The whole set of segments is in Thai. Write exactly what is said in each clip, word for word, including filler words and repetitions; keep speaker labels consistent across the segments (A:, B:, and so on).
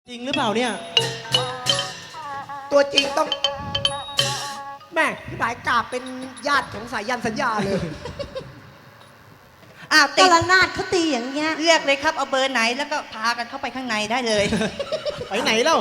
A: จริงหรือเปล่าเนี่ย
B: ตัวจริงต้องแม่พี่หมายกราบเป็นญาติของสายยันสัญญาเลย
C: อ้าว
D: ต
C: ติด
D: ระนาดเขาตีอย่างเงี้ย
C: เลือกเลยครับเอาเบอร์ไหนแล้วก็พากันเข้าไปข้างในได้เลย
A: ไปไหนเล่า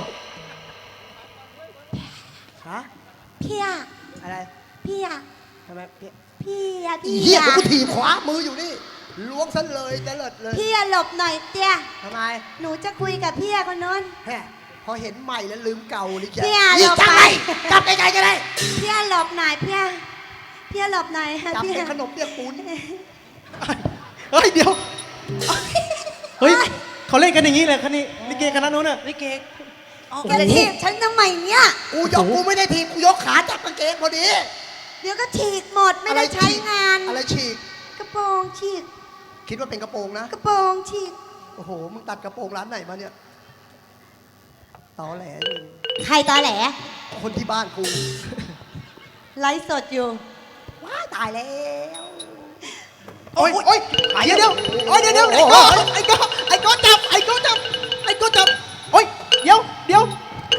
B: ฮะ
D: พี่อะ
B: อะไร
D: พี่อะ
B: ทำไมพี่
D: พี่อะ
B: อี
D: พี่
B: เหี้ย
D: อะ
B: เดี๋ยวกูถีบขวามืออยู่นี่ล้วงซะเลยจะเลิศเลย
D: พี่อะหลบหน่อยเตี้ย
B: ทำไม
D: หนูจะคุยกับพี่อะคนนู้น
B: แฮ่พอเห็นใหม่แล้วลืมเก่าเลยแก
D: พี่อะ
B: อีก
D: หลบ
B: จัง
D: ไป
B: ไรกลับไกลๆก็ได้
D: พี่อะหลบหน่อยพี่อะพี่อะหลบหน่อย
B: จับ
D: พี่
B: เป็น
D: อะ
B: ขนมเปียกปูน
A: เฮ้ยเดี๋ยวเฮ้ยเขาเล่นกันอย่างนี้เลยคณะนี้ลิเกคณะนู้นน่ะ
C: ลิเกอ๋อ
D: แกทีบฉันทำไมเนี่ย
B: กูยกกูไม่ได้ถีบกูยกขาจับกางเกงพอดี
D: เดี๋ยวก็ฉีกหมดไม่ได้
B: อะร
D: ใช้
B: ฉีก
D: งาน
B: อะไรฉีก
D: กระโปรงฉีก
B: คิดว่าเป็นกระโปรงนะ
D: กระโปรงฉีก
B: โอ้โหมึงตัดกระโปรงร้านไหนมาเนี่ยตอแหลนี่
D: ใครตอแหล
B: คนที่บ้านกู
D: ไลฟ์สดอยู่
B: ว้ายตายแล้ว
A: โอ้ยโอ้ยเดี๋ยวเดี๋ยวโอ้ยเดี๋ยวเดี๋ยวไอ้โก้ไอ้โก้ไอ้โก้จับไอ้โก้จับไอ้โก้จับโอ้ยเดี๋ยวเดี๋ยว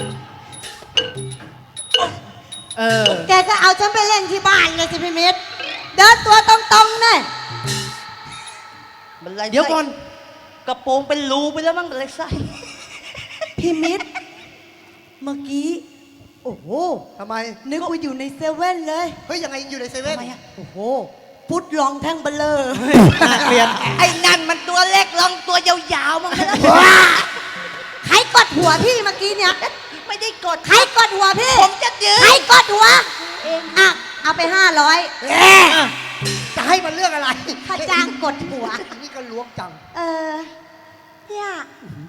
A: เออ
D: แกก็เอาฉันไปเล่นที่บ้านเลยสิพี่มิตรเดินตัวตรงๆเนี่ย
C: มันไร
A: เดี๋ยวก่อน
C: กระโปรงเป็นรูไปแล้วมั้งอะไรไส้
D: พี่มิตรเมื่อกี้โอ้โห
B: ทำไม
D: นึกว่าอยู่ในเซเว่นเลย
B: เฮ้ยยังไงอยู่ในเซเว่น
C: ทำไมอะ
D: โอ้โหพุทธลองแท่งเบลเลอร์
A: น่าเกลียด
C: ไอ้นั่นมันตัวเล็กลองตัวยาวๆมั้งนะ
D: ใครกดหัวพี่เมื่อกี้เนี่ย
C: ไม่ได้กด
D: ใครกดหัวพี่
C: ผมจะยื
D: ใคร
C: น
D: กดหัวเองอ่ะเอาไปห้าร้อย
B: เอ๊ะจะให้มันเรื่องอะไร
D: ค่าจ้างกดหัว
B: นี่ก็ล้วงจัง
D: เออพี่อะ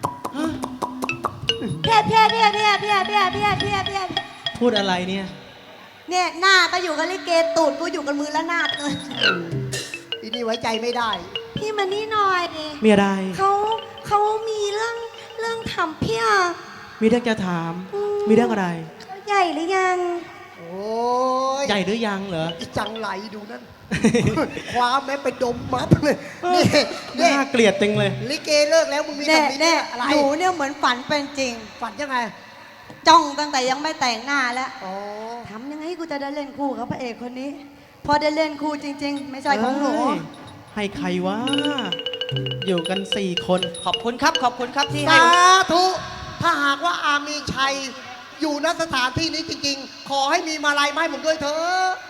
D: เพี้ยเพี้ยเพี้ยเพี้ยเพี้ยเพี้ยเพี้ยเพี้ยเพี้ย
A: พูดอะไรเนี่ย
D: เนี่ยหน้าก็อยู่กับลิเกตูดกูอยู่กับมือละนาดเลย
B: อีนี่ไว้ใจไม่ได้
D: พี่มานี่หน่อยดิ
A: มีอะไร
D: เขาเขามีเรื่องเรื่องทำพี่อะ
A: มีเรื่องจะถาม
D: อืม
A: มีเรื่องอะไร
D: เขาใหญ่หรือยัง
B: โอ้ย
A: ใหญ่หรือยังเหรอ
B: อีจังไหลดูนั่น คว้าแม่ไปดมมัดเลยนี่นี่
A: น่าเกลียดจริงเลย
B: ลิเกเลิกแล้วมึงมี
D: แน่
B: แบบนี้
D: แน่
B: อะไร
D: หนูเนี่ยเหมือนฝันเป็นจริง
B: ฝันยังไง
D: จ้องตั้งแต่ยังไม่แต่งหน้าแล้ว
B: อ๋อ
D: ทำยังไงกูจะได้เล่นคู่กับพระเอกคนนี้ พอได้เล่นคู่จริง ๆ ไม่ใช่ของหนู
A: เอ้ยให้ใครวะ อยู่กันสี่คน
C: ขอบคุณครับขอบคุณครับที่ให้
B: สาธุถ้าหากว่าอามีชัยอยู่ณสถานที่นี้จริงๆ ขอให้มีมาลัยมาให้ผมด้วยเถอะ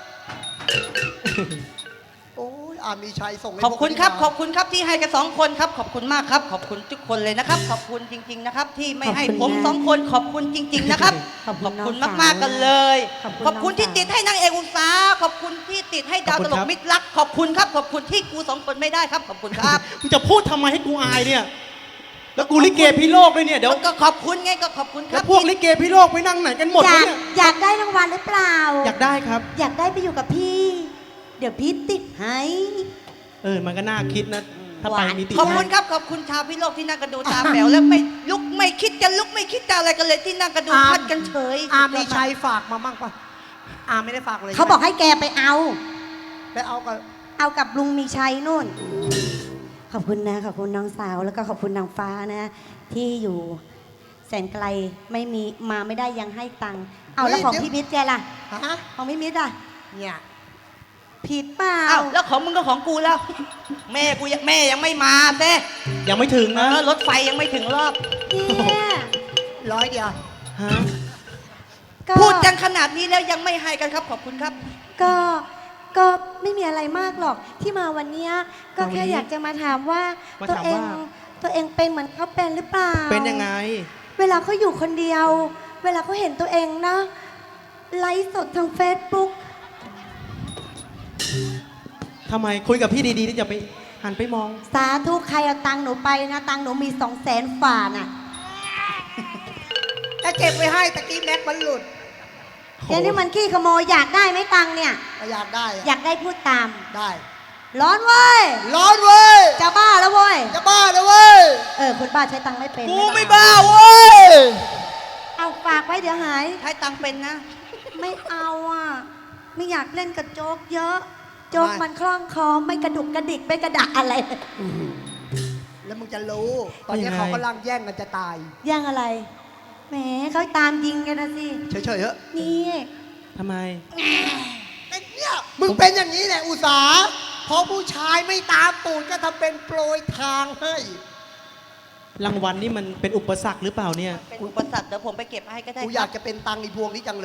B: โอ้ยอามีชัยส่งให้
C: ขอบคุณครับ
B: พวก
C: ขอบคุณครับที่ให้กันสองคนครับ ขอบคุณมากครับ ขอบคุณทุกคนเลยนะครับ ขอบคุณจริง ๆนะครับ ที่ไม่ให้
D: ขอบ
C: ผ
D: คุ
C: ม
D: ณนะ
C: สองคนขอบคุณจริง ๆนะครับ
D: ขอบคุณน้อง
C: คุณ
D: สาว
C: มากๆกันเลย
D: ขอบคุณ
C: ขอบคุณ
D: น้อง
C: ที่
D: สาว
C: ติดให้นางเอกอุตสาห์ขอบคุณที่ติดให้ดาว
A: ขอบ
C: ต
A: คุณ
C: ล
A: ค
C: ก
A: รับ
C: มิตรรักขอบคุณครับ ขอบคุณที่กูสองคนไม่ได้ครับ ขอบคุณครับ
A: มึงจะพูดทำไมให้กูอายเนี่ย แล้วกูลิเกพี่โลกด้วยเนี่ยเดี๋ยว
C: ก็ขอบคุณไงก็ขอบคุณค
A: แล้
C: รั
A: ว
C: บ
A: พวกลิเกพี่โลกไปนั่งไหนกันหมด
D: อ
A: วะ
D: ยาก
A: เนี่ย
D: อยากได้รางวัลหรือเปล่า
A: อยากได้ครับ
D: อยากได้ไปอยู่กับพี่ เดี๋ยวพี่ติดให้
A: เออ มันก็น่าคิดนะ ถ้าไปมีติด
C: ขอบคุณครับขอบคุณชาวพิโลกที่นั่งกันดูตาแป๋วแล้วไม่ลุกไม่คิดจะลุกไม่คิดจะอะไรกันเลยที่นั่งกันดูพัดกันเฉย
B: อามีชัยฝากมามั่งปะอาไม่ได้ฝากเลย
D: เขาบอกให้แกไปเอา
B: ไปเอากับ
D: เอากับลุงมีชัยนู่น ขอบคุณนะ ขอบคุณน้องสาว แล้วก็ขอบคุณนางฟ้านะ ที่อยู่แสนไกลไม่มีมาไม่ได้ยังให้ตังค์เอาแล้วของพี่มิตรแกล่ะ
B: ฮะ
D: ของพี่มิตรอ่ะ
B: เนี่ย
D: ผิดเปล่า
C: อ้าวแล้วของมึงก็ของกูแล้ว แม่กูยังแม่ยังไม่มาเต้
A: ยังไม่ถึง
C: เอ
A: นะ
C: อรถไฟยังไม่ถึงรอบ
D: เนี่ย
B: ร้อยเดียว
A: ฮะ
D: ก็
C: พูดกันขนาดนี้แล้วยังไม่ให้กันครับขอบคุณครับ
D: ก็ก็ไม่มีอะไรมากหรอกที่มาวันเนี้ยก็แค่
A: วันนี้
D: อยากจะมาถามว่า
A: มา
D: ตัว
A: ถาม
D: เอง
A: ว่า
D: ตัวเองเป็นเหมือนเขาเป็นหรือเปล่า
A: เป็นยังไง
D: เวลาเขาอยู่คนเดียว เวลาเขาเห็นตัวเองนะไลฟ์สดทางเฟซบุ๊ก
A: ทำไมคุยกับพี่ดีๆที่จะไปหันไปมอง
D: สาธุใครเอาตังค์หนูไปนะตังค์หนูมีสองแสนฝ่าน่ะ
B: ถ้าเก็บไว้ให้ตะกี้แม็กมันหลุด
D: เดี๋ยวนี้มันขี้ขโมยอยากได้ไหมตังค์เนี่ย
B: ก็อยากได้อะ
D: อยากได้พูดตาม
B: ได้
D: ร้อนเว้ย
B: ร้อนเว้ย
D: จะบ้าแล้วเว้ย
B: จะบ้าแล้วเว้ย
D: เออคนบ้าใช้ตังค์ไม่เป็น
C: กูไม่
D: บ้า
C: บ้าเว้ย
D: เอาฝากไว้เดี๋ยวหาย
C: ใช้ตังค์เป็นนะ
D: ไม่เอาอ่ะ ไม่อยากเล่นกับโจ๊กเยอะ โจ๊กมันคล่องคอไม่กระดุกกระดิกไม่กระดักอะไร
B: แล้วมึงจะรู้ ตอนนี้
A: ยังไง
B: เขากำลังแย่งกันจะตาย
D: ย่างอะไรแหมเขาตามยิงกันนะสิ
B: เฉยๆเถอะ
D: นี่
A: ทำไม
B: เป็นเนี่ยมึงเป็นอย่างนี้แหละอุตสาห์พอผู้ชายไม่ตามตูดก็ทำเป็นโปรยทางให้
A: รางวัลนี่มันเป็นอุปสรรคหรือเปล่าเนี่ย
C: เป็นอุปสรรคเดี๋ยวผมไปเก็บให้ก็ได้
B: กูอยากจะเป็นตังค์อีพวงนี้จังเลย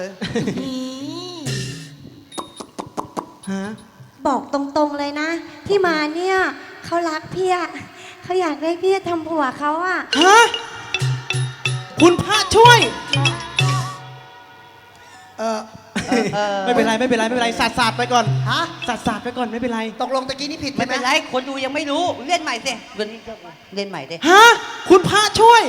A: ฮะ
D: บอกตรงๆเลยนะ ที่มาเนี่ยเขารักพี่อะเขาอยากได้พี่ทำผัวเขาอะ
A: ฮะ คุณพระช่วย
B: เออ
C: เออเออ
A: ไม่เป็นไรไม่เป็นไรไม่เป็นไรสาดสาดไปก่อน
B: ฮะ
A: สาดสาดไปก่อนไม่เป็นไร
B: ตกลงตะกี้นี่ผิด
C: ไม่
B: ใช่ไหม
C: เป็นไรคนดูยังไม่รู้เล่นใหม่สิเล่นเล่นใหม่สิ
A: ฮะ คุณพระช่วย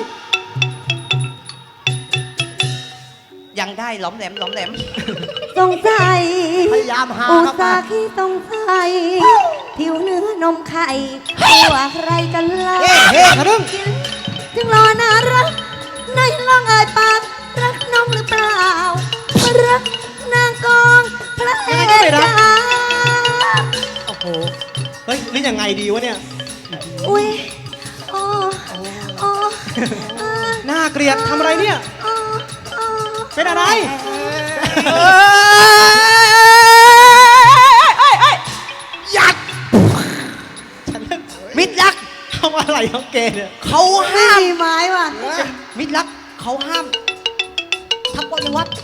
C: ยังได้หลอมแหลมหลอมแหลม
D: สงสัย
B: พยายามหา
D: อุ
B: เข้า
D: ต
B: มา
D: ส่าห์ขี้สงสัยผิวเนื้อนมไข่ตัวใครกันล่ะ
A: เฮ้เฮ้ทะลึ่ง
D: จึงรอน่ารักในลองเอ่ยปากรักน้องหรือเปล่ารักนางกองพระเอกจ้า
A: โอ้โห เฮ้ยนี่ยังไงดีวะเนี่ย
D: อุ้ยโอ้โอ้เออ
A: น่าเกลียดทำอะไรเนี่ย
D: โอ้โอ้
A: เป็นอะไร
B: ยัด
A: ฉันเล่น
C: มิตรรัก
A: ทำอะไรของแกเนี่ย
C: เขา
D: ไม่
C: ห้าม
D: มีไม้ว่ะ
C: มิตรรักเขาห้ามทับวัด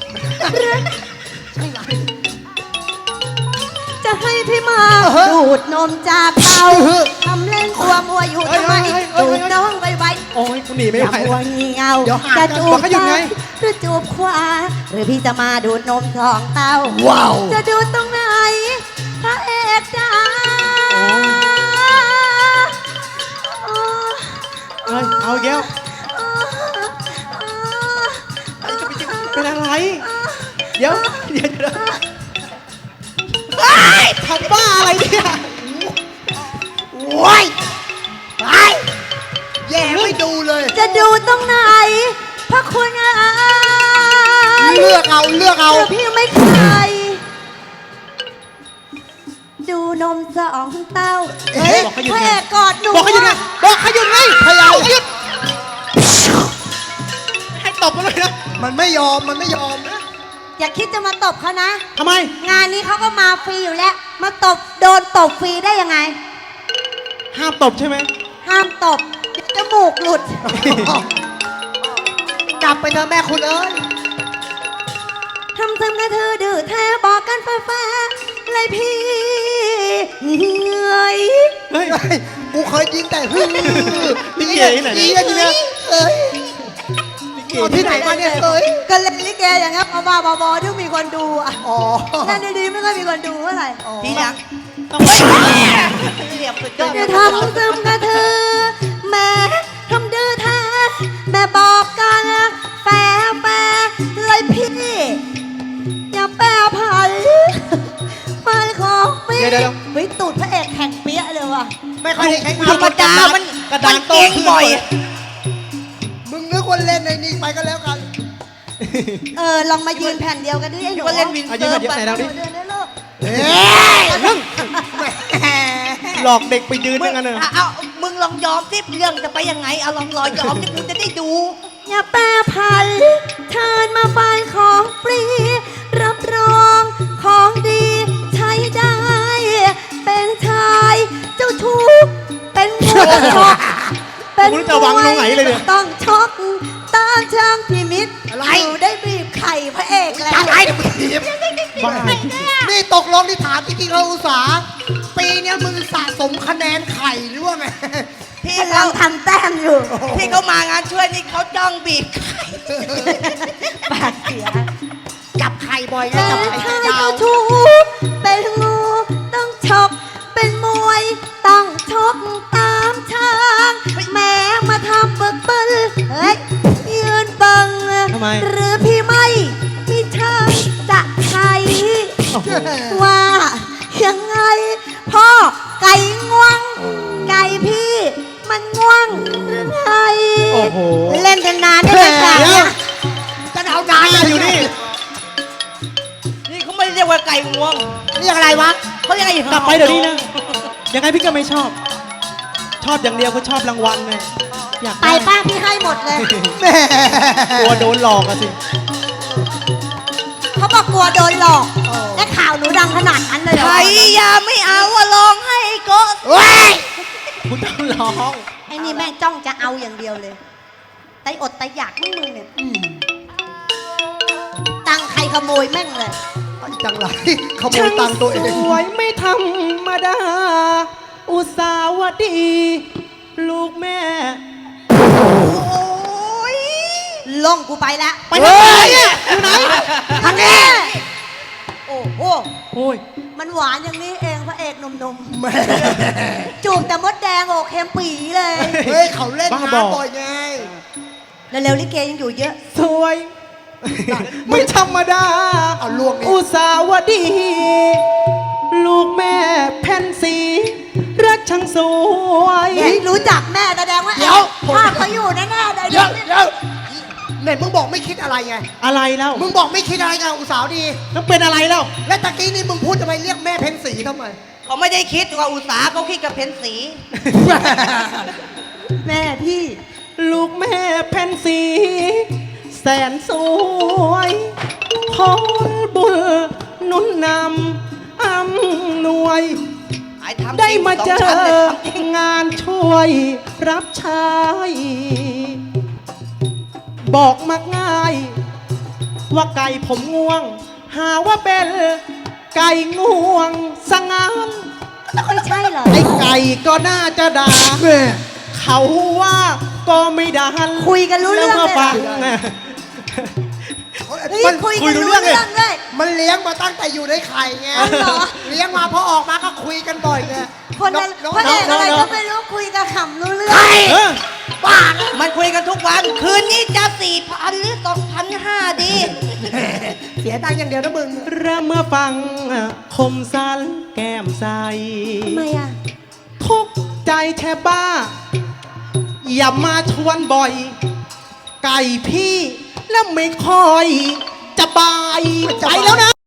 D: จะให้พี่มาดูดนมจากเตาทำเล่นตัวมัวอยู่ทำไมดูดน้องไวๆ
A: โอ้ยกูหนีไม่
D: อย่า
A: ไหว
D: มัว
A: แล้ว
D: งีเงา
B: เดี๋ยวหา
D: จะ
B: กัน
D: จู
A: บบ อกให้หยุดไง
D: ซ้ายหรือจูบขวา หรือพี่จะมาดูดนมสองเต้า
B: ว้าว
D: จะดูดตรงไหนพระเอกจ้า
A: เฮ้ย เอาอีกแล้วเป็นอะไร เดี๋ยว เดี๋ยวเดี๋ยวทำบ้าอะไรเนี่ย
B: โว้ยไปแย่ไม่ดูเลย
D: จะดูตรงไหนพระคุณอา
B: เลือกเอาเลือกเอา
D: เดี๋ยวพี่ไม่ขายดูนมสองเต้า
B: เฮ้ย
A: บอกให้หยุด
D: พระ
A: ไง
D: เอกกอดหนู
A: บอกให้หยุดไง บอกให้หยุดไง
B: พยายาม
A: บอกให้หยุด ให้ตบมาเลยนะ
B: มันไม่ยอมมันไม่ยอมนะ
D: อย่าคิดจะมาตบเขานะ
A: ทำไม
D: งานนี้เขาก็มาฟรีอยู่แล้ว มาตบโดนตบฟรีได้ยังไง
A: ห้ามตบใช่ไหม
D: ห้ามตบเดี๋ยวจมูกหลุด
B: กลับไปเถอะแม่คุณเอ้ย
D: ทำซ้ำกระเธอดื้อแท้บอกกันแฟร์ๆเลยพี่เหนื่อย
A: เฮ้ย
B: เฮ้ยกูเคยยิงแต่ฮึ่ง
A: ลิเกที่ไหนเนี่ย
B: ยิงกันทีเนี้ยเอ้ยเอาที่ไหนมาเนี่ยเอ้ย
D: ก็เล่นลิเกอย่างเงี้ยบ้าๆบอๆที่มีคนดูอ่ะ
B: อ๋อ
D: เล่นดีๆไม่ค่อยมีคนดูเท่าไหร่
C: ที่รัก
A: ต้องเฮ้ย
C: เรียบสุดยอด
D: จะทำซ้ำกระเธอแม่ทำดื้อแท้แม่บอกกันแฟร์แฟร์เลยพี่อย่าแปรผันไปของพี่
A: เดี๋ยวเดี๋ยว
D: เฮ้ยตูดพระเอกแข่งเปี้ยเลยว่ะ
B: ไม่ค่อยได้ใช้งา
C: ธร
B: น
C: รมดามัน
A: กระดาน
C: มันเก่ง
A: โตขึ้น
C: บ่อย
B: มึงนึกว่าเล่นในนี่ไปก็แล้วกัน
D: เออลองมายืนแผ่นเดียวกันดิไอ้หนู
C: ก็เล่นวิน
A: เอายื
C: เซิ
A: น
C: ร์ฟ
A: มายืนไหนเราดิ
D: เดินได้ลูก
B: เฮ้ย
A: หลอกเด็กไปยืน
C: มึ
A: อง ย่างนั้นเลย
C: เอาเอามึงลองยอมสิเรื่องจะไปยังไงเอาลองรอยอมที่กูจะได้ดู
D: อย่าแปรผันเชิญมาฟังของฟรี รับรองของดีใช้ได้ เป็นชายเจ้าชู้เป็นหัวชกเป็น
A: กูรู้จะวางลงไหนเลยเนี่ย
D: ต้องช็อกตามช่างพิมิตร
B: อะไร
D: หนูได้บีบไข่พระเอกแล้ว
B: อะไรเดี๋ยวมึงถีบ
A: บ้า
B: นี่ตกลงที่ถามจริงๆเราอุตสาห์ปีเนี้ยมึงสะสมคะแนนไข่หรือว่าไง
C: พี่
D: กำลั
C: เขา
D: งทำแต้มอยู่
C: ที่เขามางานช่วยนี่เขาจ้องบีบไข่
D: ปากเสีย
B: จับไข่บ่อยนะ
D: เป็น
B: จับไข่
D: ชาย
B: ยา
D: เจ้าว ชู้เป็นงูต้องชกเป็นมวยต้องชกตามช้างแม้มาทำเบิกเบิ้ลเฮ้ยยืนบัง
A: ทำไม
D: หรือพี่ไม่มีทางจะใช้
A: โอ้โห
D: ว่ายังไง พ่อไก่ง่วง ไก่พี่มันง่วงหรือไง
A: โอ้โห
D: เล่นกันนานได้ไหมจ๊ะ
A: เดี๋ยว
B: จะเอานาน
A: นี่
B: เลย
A: อยู่นี่
C: นี่เขาไม่ได้เรียกว่าไก่งวง
B: เรียกอะไรวะ
C: เขาเรียกไอ้
A: กลับไปเดี๋ยวนี้นะ ยังไงพี่ก็ไม่ชอบ ชอบอย่างเดียวคือชอบรางวัลไงอยาก
D: ไป
A: ได้
D: ป้าพี่ให้หมดเลย
B: แม่
A: กลัวโดนหลอกอะสิ
D: เขาบอกกลัวโดนหลอก และข่าวหนูดังขนาดนั้นเลยเหรอ
C: ไทยยาไม่เอาอะลองให้ก็
B: เว้ย
A: คุณต้องร้อง
D: ไอ้นี่แม่งจ้องจะเอาอย่างเดียวเลยไตอดไตอยากมึงมึงเนี่ยตังค์ใครขโมยแม่งเลย
B: ไอ้จังไรขโมยตังค์ตัวเอง
A: สวยไม่ธรรมดา อุตสาวดี ลูกแม่
C: โอ้ย
D: ล่องกูไปแล้ว
A: ไปทางไหนอะอยู่ไหน
D: ทางนี้โอ้โห
A: โอ้ย
D: มันหวานอย่างนี้เองพระเอกหนุ่ม
B: แม่
D: ๆ จูบแต่มดแดงโอเค็มปีเลย
B: เฮ้ยเขาเล่น
A: บ้าบอ
B: น้ำบ่อยไง
D: เร็วๆลิเกยังอยู่เยอะ
A: สวย ไม่ธรรมดา
B: เอาลวกนี่
A: อุตสาวดี ลูกแม่แผ่นสีรักช่างสวย
D: เฮ้ยรู้จักแม่แสดงว่า
B: เดี๋ยว
D: ภาพเขาอยู่แน่ๆเลย
B: เดี๋ยวเดี๋ยวไหนมึงบอกไม่คิดอะไรไง
A: อะไรเล่า
B: มึงบอกไม่คิดอะไรไงอุตสาวดี
A: แล้วเป็นอะไรเล่า
B: และตะกี้นี่มึงพูดทำไมเรียกแม่เพ็ญศรีทำไม
C: เขาไม่ได้คิดว่าอุตสาห์เขาคิดกับเพนสี
D: แม่พี่
A: ลูกแม่แผ่นสี แสนสวยพอบุญหนุนนำอำนวย
C: ไอ้ทำจริง
A: ได้มาเจ
C: สง
A: อ
C: ชั้นเลยทำจริง
A: งานช่วยรับใช้ บอกมักง่าย ว่าไก่ผมง่วง หาว่าเป็นไก่ง่วงสงาน
D: ไม่ใช่เหรอ
A: ไอ้ไก่ก็น่าจะด่า
B: แม่
A: เขาว่าก็ไม่ดัน
D: คุยกันรู้เรื่อง
A: แล้ว
D: เลย
A: มาฟัง
D: เฮ้ย
B: มัน
D: คุย
A: คุ
D: กั
A: ย
D: น
A: รู้
D: รู้
A: เรื่
D: เรื่
A: อ
D: อง ง
A: เลย
D: เลย
B: มันเลี้ยงมาตั้งแต่อยู่ในไข่ไง
D: อ๋อเหรอ
B: เลี้ยงมาพอออกมาก็คุยกันบ่อยไง
D: คนนั้น
B: น้อง
D: พระเอกอะไร
A: น้อง
D: ก็ไม่รู้คุยกับขำรู้เรื่อง
A: เออ
B: บ้านะ
C: มันคุยกันทุกวัน คืนนี้จะสี่พันหรือสองพันห้าดี
B: เสียตังค์อย่างเดียวนะมึง
A: เริ่มเมื่อฟังคมสันแก้มใส
D: ทำไมอ่ะ
A: ทุกข์ใจแทบบ้า อย่ามาชวนบ่อย ไก่พี่แล้วไม่ค่อยจะบาย
B: จะ
A: ไป
B: บาย
A: แล้วนะ